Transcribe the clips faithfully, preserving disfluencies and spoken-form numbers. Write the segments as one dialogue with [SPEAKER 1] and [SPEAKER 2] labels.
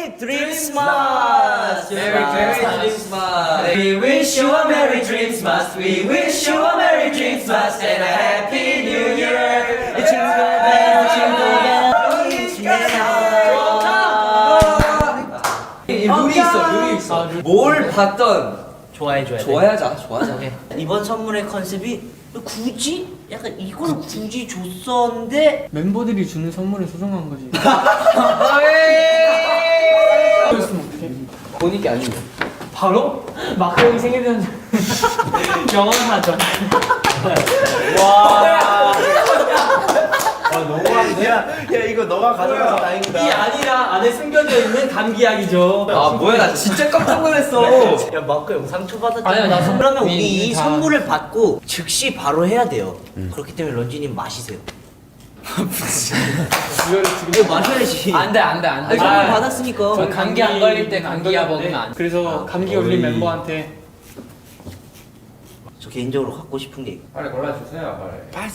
[SPEAKER 1] Merry Christmas. Merry Christmas. We wish you a Merry Christmas. We wish you a Merry Christmas and a Happy New Year. Jingle bell, jingle bell, each 룰이 있어, 룰이 있어. 뭘 봤던
[SPEAKER 2] 좋아해줘야 돼.
[SPEAKER 1] 좋아하자, 좋아하자.
[SPEAKER 2] 이번 선물의 컨셉이 굳이 약간 이걸 굳이 줬었는데
[SPEAKER 3] 멤버들이 주는 선물은 소중한 거지. 그랬으면 어떡해?
[SPEAKER 1] 본인께 아니면
[SPEAKER 3] 바로 마크 형이 생일이라는 영원하죠. 와.
[SPEAKER 4] 아 너무한데? 야, 야 이거 너가 가져가서 다행이다.
[SPEAKER 3] 이 아니라 안에 숨겨져 있는 감기약이죠.
[SPEAKER 1] 아 뭐야 나 진짜 깜짝 놀랐어.
[SPEAKER 2] 야 마크 형 상처 받았잖아.
[SPEAKER 3] 아니야, 나 선-
[SPEAKER 2] 그러면 우리
[SPEAKER 3] 이미
[SPEAKER 2] 이
[SPEAKER 3] 다-
[SPEAKER 2] 선물을 받고 즉시 바로 해야 돼요. 그렇기 때문에 런쥔님 마시세요. 이거 마셔야지.
[SPEAKER 3] 안돼 안돼 안돼.
[SPEAKER 2] 아니, 선물 받았으니까.
[SPEAKER 3] 전 감기 안 걸릴 때 감기약 먹으면 안 돼. 그래서 감기 걸린 멤버한테
[SPEAKER 2] 저 개인적으로 갖고 싶은 게
[SPEAKER 4] 빨리 골라주세요. 빨리.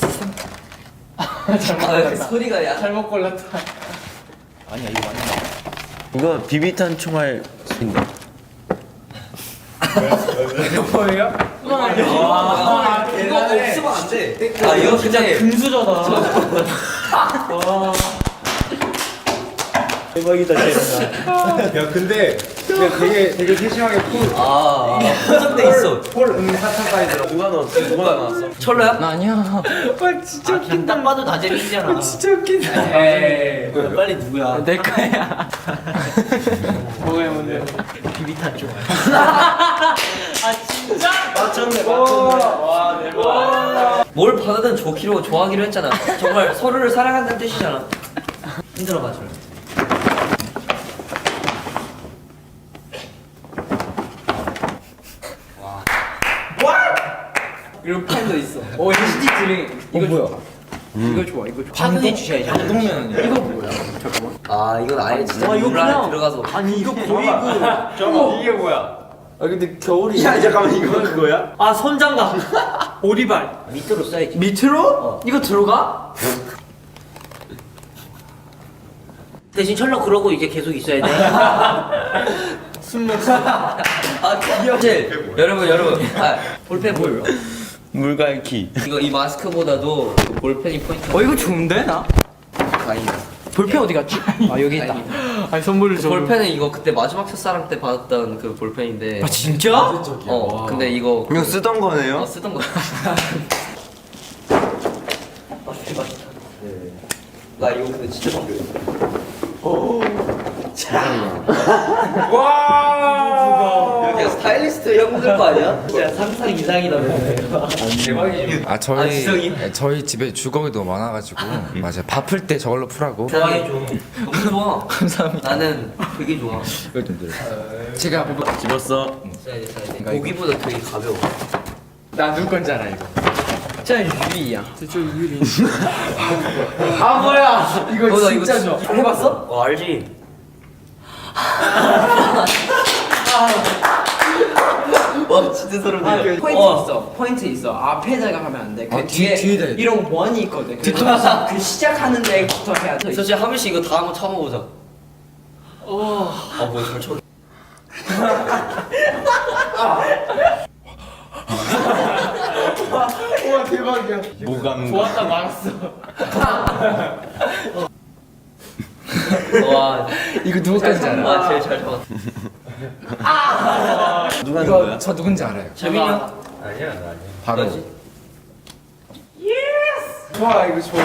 [SPEAKER 1] 아, 소리가 야.
[SPEAKER 3] 잘못 골랐다.
[SPEAKER 4] 아니야 이거 맞나?
[SPEAKER 5] 이거 비비탄 총알 인데
[SPEAKER 4] 뭐예요?
[SPEAKER 1] 아, 이거 없으면 안 돼. 아 이거 그냥
[SPEAKER 3] 금수저다. 와.
[SPEAKER 4] 대박이다 진짜. 야 근데 그냥 되게 되게 세심하게 풀.
[SPEAKER 1] 아 포장돼 있어.
[SPEAKER 4] 폴 음사탕 사이즈로. 누가 넣었어? 누가 나왔어?
[SPEAKER 1] 철로야?
[SPEAKER 3] 나 아니야.
[SPEAKER 2] 진짜 아, 그냥 딱 봐도 다 재밌잖아.
[SPEAKER 3] 진짜 웃긴다.
[SPEAKER 2] 에이, 빨리 누구야?
[SPEAKER 3] 내 거야. 뭐야 뭔데?
[SPEAKER 2] 비비탄 좀.
[SPEAKER 3] 아 진짜?
[SPEAKER 4] 맞췄네 맞췄네.
[SPEAKER 3] 와 대박.
[SPEAKER 1] 뭘 받아든 좋기로 좋아하기로 했잖아. 정말 서로를 사랑한다는 뜻이잖아. 힘들어 봐 절. 그리고 펜도 있어.
[SPEAKER 3] 오 에이치디 드링. 이거 뭐야?
[SPEAKER 2] 이거 좋아, 이거 좋아. 확인해 주셔야지.
[SPEAKER 4] 동면은요?
[SPEAKER 3] 이거 뭐야?
[SPEAKER 1] 아 이건 아예 진짜
[SPEAKER 2] 와, 이거
[SPEAKER 1] 물 안에
[SPEAKER 2] 그냥-
[SPEAKER 1] 들어가서.
[SPEAKER 2] 아니 이거 거의 그.
[SPEAKER 4] 잠깐 이게 뭐야?
[SPEAKER 1] 아 근데 겨울이.
[SPEAKER 4] 야 잠깐만 이거 그거야?
[SPEAKER 3] 아 손장갑. 오리발.
[SPEAKER 2] 밑으로 써야지.
[SPEAKER 3] 밑으로? 이거 들어가?
[SPEAKER 2] 대신 철로 그러고 이제 계속 있어야 돼.
[SPEAKER 3] 숨먹어.
[SPEAKER 1] 아 귀여워. 여러분 여러분. 아 볼펜 보여.
[SPEAKER 5] 물갈퀴.
[SPEAKER 1] 이거 이 마스크보다도 그 볼펜이 포인트.
[SPEAKER 3] 어 이거 좋은데 나?
[SPEAKER 1] 다행이다.
[SPEAKER 3] 볼펜 어디 갔지? 아 여기 있다. 아니 선물을 줘.
[SPEAKER 1] 볼펜은 이거 그때 마지막 첫사랑 때 받았던 그 볼펜인데.
[SPEAKER 3] 아 진짜?
[SPEAKER 1] 어 근데 이거
[SPEAKER 5] 이거 쓰던
[SPEAKER 1] 어,
[SPEAKER 5] 거네요?
[SPEAKER 1] 쓰던 거야. 나 이거 근데 진짜 필요해.
[SPEAKER 4] 와.
[SPEAKER 1] 이렇게 스타일리스트 형들 거 아니야? 진짜 상상 이상이다.
[SPEAKER 4] 대박이지.
[SPEAKER 6] 아 저희
[SPEAKER 1] 아, 지성이?
[SPEAKER 6] 네, 저희 집에 주걱이 너무 많아가지고 맞아요. 바쁠 때 저걸로 풀하고
[SPEAKER 1] 좋아해 줘. 너무 좋아. 감사합니다. 나는 되게 좋아.
[SPEAKER 6] 제가 보고
[SPEAKER 5] 집었어.
[SPEAKER 1] 써야 돼, 써야 돼. 고기보다 되게 가벼워.
[SPEAKER 6] 나 누구 건지 알아 이거.
[SPEAKER 3] 진짜 유리야. 진짜 유리.
[SPEAKER 4] 아 뭐야?
[SPEAKER 3] 이거
[SPEAKER 1] 어, 나
[SPEAKER 3] 진짜
[SPEAKER 1] 이거
[SPEAKER 3] 좋아.
[SPEAKER 1] 해봤어?
[SPEAKER 2] 어, 알지?
[SPEAKER 1] 와 진짜 소름 돋아.
[SPEAKER 3] 포인트
[SPEAKER 1] 어.
[SPEAKER 3] 있어. 포인트 있어. 앞에다가 하면 안 돼. 그
[SPEAKER 6] 아, 뒤-
[SPEAKER 3] 뒤에
[SPEAKER 6] 뒤에다 해야 돼.
[SPEAKER 3] 이런 원이 있거든. 뒤통수 그 시작하는 데부터 해야 돼.
[SPEAKER 1] 솔직히 한 번씩 이거 다 한번 참아보자. 어. 아 뭐야 잘 쳐.
[SPEAKER 4] 와 대박이야.
[SPEAKER 5] 무감.
[SPEAKER 3] 좋았다 말았어.
[SPEAKER 1] 와.
[SPEAKER 6] 이거 누구 건지 알아?
[SPEAKER 1] 아 제일 잘 잡았어.
[SPEAKER 5] 누가
[SPEAKER 6] 이거
[SPEAKER 5] 누구야?
[SPEAKER 6] 저 누군지 알아요.
[SPEAKER 1] 재민이 형.
[SPEAKER 4] 아니야 나 아니야.
[SPEAKER 6] 바로
[SPEAKER 1] 너지?
[SPEAKER 4] 좋아 이거 좋아.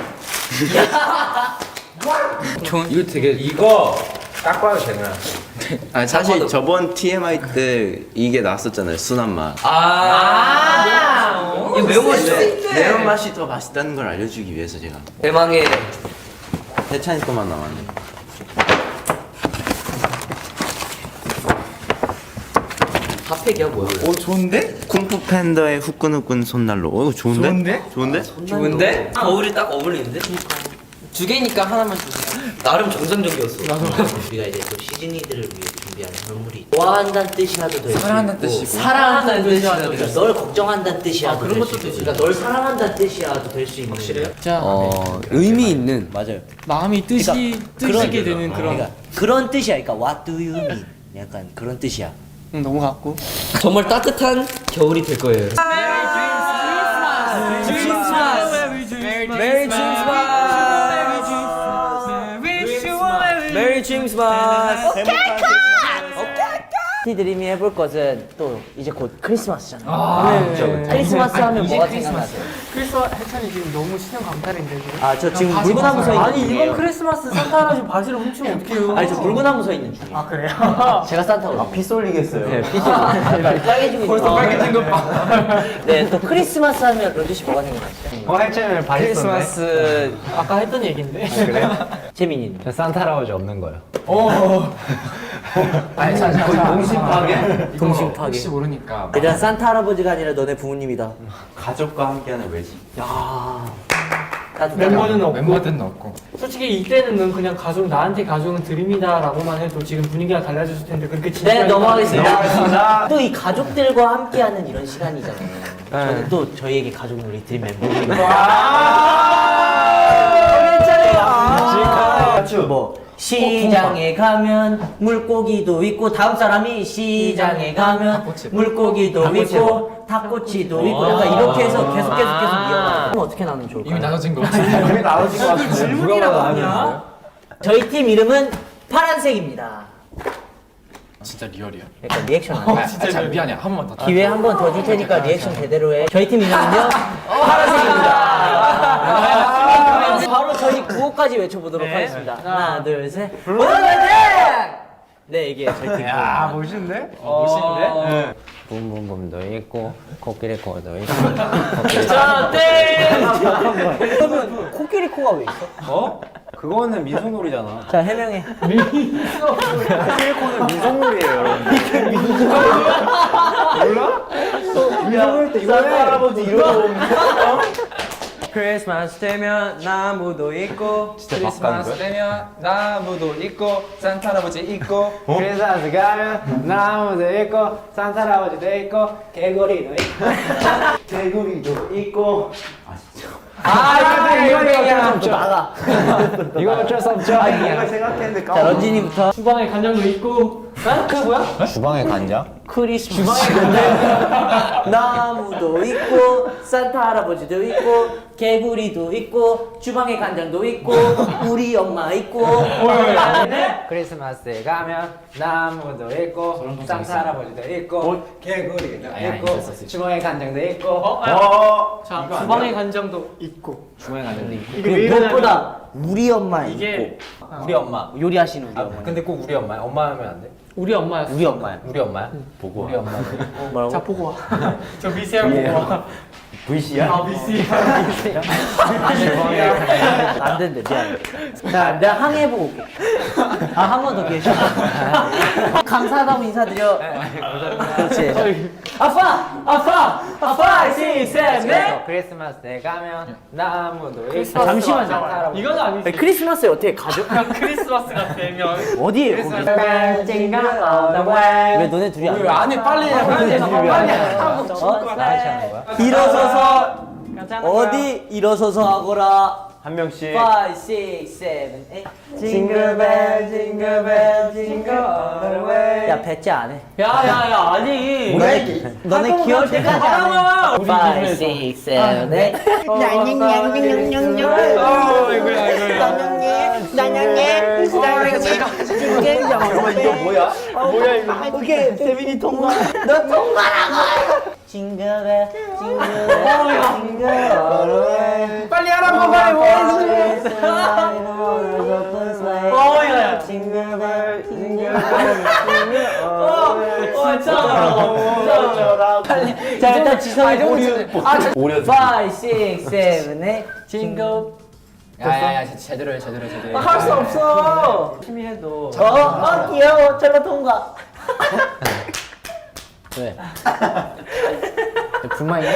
[SPEAKER 6] 이거 되게
[SPEAKER 4] 이거 딱 봐도 되나?
[SPEAKER 5] 아 사실 저번 티엠아이 때 이게 나왔었잖아요. 순한 맛.
[SPEAKER 1] 아. 이거 매운 맛이죠?
[SPEAKER 5] 매운 맛이 더 맛있다는 걸 알려주기 위해서 제가
[SPEAKER 1] 대망의
[SPEAKER 5] 해찬이 것만 나왔네.
[SPEAKER 1] 핫팩이야 뭐야?
[SPEAKER 6] 오 좋은데?
[SPEAKER 5] 쿵푸 팬더의 후끈후끈 손난로. 어 이거 좋은데?
[SPEAKER 6] 좋은데?
[SPEAKER 5] 좋은데?
[SPEAKER 3] 좋은데?
[SPEAKER 1] 겨울이 딱 어울리는데?
[SPEAKER 3] 두 개니까 하나만 주세요.
[SPEAKER 2] 나름 정상적이었어. 우리가 이제 또 시즈니들을 위해 준비한 선물이 좋아한다는 뜻이라도 될 수 있고
[SPEAKER 6] 사랑한다는 뜻이고.
[SPEAKER 2] 사랑한다는 뜻이라도 그러니까 널 걱정한다는 뜻이라도
[SPEAKER 3] 아, 그런
[SPEAKER 2] 될 수
[SPEAKER 3] 것도
[SPEAKER 2] 있고
[SPEAKER 3] 되지.
[SPEAKER 2] 그러니까 널 사랑한다는 뜻이라도 될 수 있는 확실해요?
[SPEAKER 3] 자
[SPEAKER 5] 어 의미 있는
[SPEAKER 2] 맞아요.
[SPEAKER 3] 마음이 뜻이
[SPEAKER 2] 그러니까
[SPEAKER 3] 뜻이게
[SPEAKER 2] 그런-
[SPEAKER 3] 되는 그런
[SPEAKER 2] 그러니까 그런 뜻이야. 그러니까 what do you mean? 약간 그런 뜻이야.
[SPEAKER 3] 응, 너무 같고
[SPEAKER 1] 정말 따뜻한 겨울이 될 거예요.
[SPEAKER 3] 메리
[SPEAKER 1] 메리 크리스마스.
[SPEAKER 2] 티드림이 해볼 것은 또 이제 곧 크리스마스잖아요.
[SPEAKER 3] 네.
[SPEAKER 2] 크리스마스 하면 뭐가 생각나세요?
[SPEAKER 3] 크리스마스 해찬이 지금 너무 신형 감탄인데 지금
[SPEAKER 2] 아 저 지금 물구나무 서 있는
[SPEAKER 3] 아니
[SPEAKER 2] 중이에요.
[SPEAKER 3] 이건 크리스마스 산타 할아버지 바지를 훔치면 어떡해요
[SPEAKER 2] 아니 저 물구나무 서 있는 중이에요.
[SPEAKER 3] 아 그래요?
[SPEAKER 2] 제가 산타거든요.
[SPEAKER 4] 피 쏠리겠어요.
[SPEAKER 2] 네, 피 쏠리. 빨개지고 벌써 빨개진 것 봐. 네, 또 크리스마스 하면 런쥔 씨 뭐가 생각나시죠?
[SPEAKER 4] 어 해체는
[SPEAKER 3] 크리스마스 아까 했던 얘긴데
[SPEAKER 2] 재민이는?
[SPEAKER 4] 저 산타 할아버지 없는 거요.
[SPEAKER 3] 아니 잠깐
[SPEAKER 4] 동심 파괴?
[SPEAKER 2] 동심 파괴.
[SPEAKER 6] 혹시 모르니까
[SPEAKER 2] 일단 산타 할아버지가 아니라 너네 부모님이다.
[SPEAKER 5] 가족과 함께하는 외식.
[SPEAKER 2] 야. 따뜻하다.
[SPEAKER 3] 멤버는 없고
[SPEAKER 6] 멤버들은 없고
[SPEAKER 3] 솔직히 이때는 그냥 가족 나한테 가족은 드림이다라고만 해도 지금 분위기가 달라졌을 텐데 그렇게 진짜
[SPEAKER 2] 네, 넘어가겠습니다. 또 이 가족들과 함께하는 이런 시간이잖아요. 저는 또 저희에게 가족은 우리 드림 멤버들이고. 뭐 시장에 가면 물고기도 있고 다음 사람이 시장에 가면 물고기도 있고 닭꼬치도 있고 약간 이렇게 해서 계속 계속 계속 이어가. 그럼 어떻게 나누면 좋을까요?
[SPEAKER 6] 이미 나눠진 거 같아.
[SPEAKER 4] 이미 나눠진 것 같은데.
[SPEAKER 3] 질문이라고 하냐?
[SPEAKER 2] 저희 팀 이름은 파란색입니다.
[SPEAKER 6] 진짜 리얼이야.
[SPEAKER 2] 약간 리액션 안
[SPEAKER 6] 아,
[SPEAKER 2] 해.
[SPEAKER 6] 진짜 잘 미안해. 한 번만 더.
[SPEAKER 2] 기회 한 번 더 줄 테니까 리액션 제대로 해. 저희 팀 이름은요 파란색입니다. 바로 저희 구호까지 외쳐보도록 하겠습니다. 하나, 둘, 셋. 네, 이게 저희 팀.
[SPEAKER 4] 아 멋있는데?
[SPEAKER 3] 멋있는데?
[SPEAKER 7] 붐붐붐도 있고 코끼리 코도 있고
[SPEAKER 3] 자, 땡!
[SPEAKER 2] 그러면 코끼리 코가 왜 있어?
[SPEAKER 4] 어? 그거는 민속놀이잖아.
[SPEAKER 2] 자, 해명해.
[SPEAKER 4] 코끼리코는 민속놀이에요, 여러분. 몰라? 민속놀이 때 이거 해. 할아버지 이러고
[SPEAKER 7] 크리스마스 되면 나무도 있고
[SPEAKER 6] 크리스마스 되면 나무도 있고 산타 할아버지 있고
[SPEAKER 4] 크리스마스 가면 나무도 있고 산타 할아버지도 있고 개구리도 있고 개구리도 있고
[SPEAKER 2] 아, 이거 이거 이거 좀 나가.
[SPEAKER 4] 이거 어쩔 수 없죠. 아, 이걸 생각했는데
[SPEAKER 2] 자, 런쥔이부터.
[SPEAKER 3] 주방에 간장도 있고 아? 그 뭐야?
[SPEAKER 4] 주방에 간장?
[SPEAKER 2] 크리스마스 주방에 나무도 있고 산타 할아버지도 있고 개구리도 있고 주방에 간장도 있고 우리 엄마 있고.
[SPEAKER 7] 크리스마스에 가면 나무도 있고 산타 할아버지도 있고
[SPEAKER 4] 개구리도
[SPEAKER 7] 있고 주방에 간장도 있고
[SPEAKER 4] 어.
[SPEAKER 3] 자, 주방에 간장도 있고
[SPEAKER 7] 주방에 간장도 있고
[SPEAKER 2] 그리고 무엇보다 우리 엄마
[SPEAKER 3] 이게
[SPEAKER 2] 있고 우리 엄마 요리하시는 우리 엄마.
[SPEAKER 7] 근데 꼭 우리 엄마야? 엄마 하면 안 돼?
[SPEAKER 3] 우리 엄마였어.
[SPEAKER 2] 우리 엄마야.
[SPEAKER 7] 우리 엄마야? 보고 우리 엄마
[SPEAKER 2] 뭐라고?
[SPEAKER 3] 자, 보고 와. 저 미세한 보고 와.
[SPEAKER 4] 브이씨야?
[SPEAKER 3] 아, 미세.
[SPEAKER 2] 안 된대 미안해. 자 내가 항해해보고 올게. 아 한 번 더 기회 줘. 감사하다고 인사드려. 그렇지. 아빠! 아빠! 아빠! 육, 칠, 넷!
[SPEAKER 7] 크리스마스에 가면 나무도 있고
[SPEAKER 3] 크리스마스
[SPEAKER 2] 잠시만요.
[SPEAKER 7] 산타 할아버지
[SPEAKER 3] 이건 아니지.
[SPEAKER 2] 크리스마스에 어떻게 가족?
[SPEAKER 3] 크리스마스가 되면
[SPEAKER 2] 어디에 거기? 왜 너네 둘이 안 해?
[SPEAKER 7] 안에 빨리 해 빨리 해 빨리 해
[SPEAKER 2] 일어서서 어디 일어서서 하거라.
[SPEAKER 4] 한 명씩.
[SPEAKER 2] 오, 육, 칠, 팔 징글벨 징글벨 징글 all 야 배째 안 해.
[SPEAKER 3] 야야야 아니.
[SPEAKER 2] 너네 귀여울 때까지 안 해. 오, 육, 칠, 팔
[SPEAKER 4] 잠깐만 이거 뭐야? 뭐야 이거?
[SPEAKER 2] 그게 세빈이 통과. 너 통과라고. 징글벨 징글벨 징글
[SPEAKER 3] 빨리 하라고 빨리 뭐. 어야.
[SPEAKER 2] 징글벨 징글벨
[SPEAKER 3] 어, 참.
[SPEAKER 2] 빨리. 자 일단 지성이 오류. 오류. 오, 육, 칠, 팔 징글.
[SPEAKER 7] 야야야 제대로 해 제대로 해 제대로 해
[SPEAKER 2] 할 수 없어.
[SPEAKER 7] 열심히 해도
[SPEAKER 2] 어, 어 귀여워. 저거 통과.
[SPEAKER 7] 왜? 불만이야?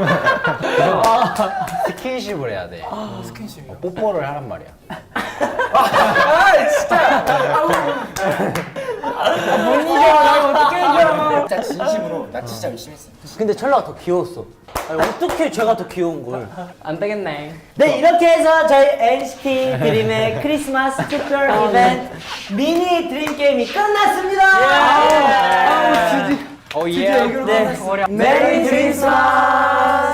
[SPEAKER 7] 스킨십을 해야 돼 스킨십이요? 뽀뽀를 하란 말이야
[SPEAKER 6] 아 진짜.
[SPEAKER 3] 못 이겨. 나 어떻게 이겨?
[SPEAKER 7] 진짜 진심으로 나 진짜 열심히 했어.
[SPEAKER 2] 근데 철라가 더 귀여웠어. 아니, 어떻게 제가 더 귀여운 걸?
[SPEAKER 3] 안 되겠네.
[SPEAKER 2] 네, 이렇게 해서 저희 엔시티 드림의 크리스마스 특별 이벤트 미니 드림 게임이 끝났습니다.
[SPEAKER 3] 오 예.
[SPEAKER 2] 네, 메리 크리스마스.